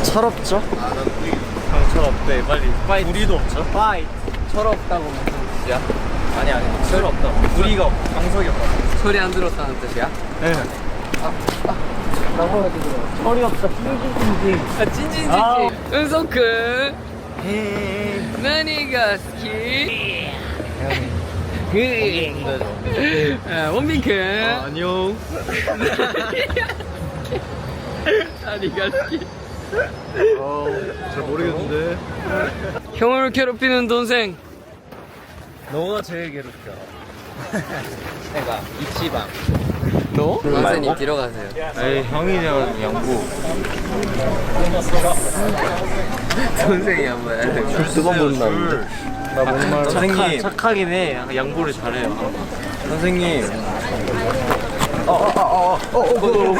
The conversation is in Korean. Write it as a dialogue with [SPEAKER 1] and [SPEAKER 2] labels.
[SPEAKER 1] 철없죠?
[SPEAKER 2] 철없대. 빨리 우리도 없죠?
[SPEAKER 3] 파이트. 철없다고 무슨 뜻이야?
[SPEAKER 2] 아니 철없다. 우리가 방석이 없다.
[SPEAKER 3] 철이 안 들었다는 뜻이야?
[SPEAKER 2] 네.
[SPEAKER 1] 철이 없어. 찡찡찡찡.
[SPEAKER 3] 아, 찐찐찐찐. 은석군. 나니가 스키. 원빈큰.
[SPEAKER 2] 안녕.
[SPEAKER 3] 나니가 스키.
[SPEAKER 2] 잘 모르겠는데.
[SPEAKER 3] 형을 괴롭히는 동생.
[SPEAKER 2] 너가 제일 괴롭혀. 내가 이치방.
[SPEAKER 3] 너? 선생님 뒤로 가세요.
[SPEAKER 2] 에이 형이랑 양보.
[SPEAKER 3] 선생이 한 번.
[SPEAKER 1] 두번 본다는데.
[SPEAKER 2] 나 목말. 선생님
[SPEAKER 1] 착하긴 해. 양보를 잘해요.
[SPEAKER 2] 선생님.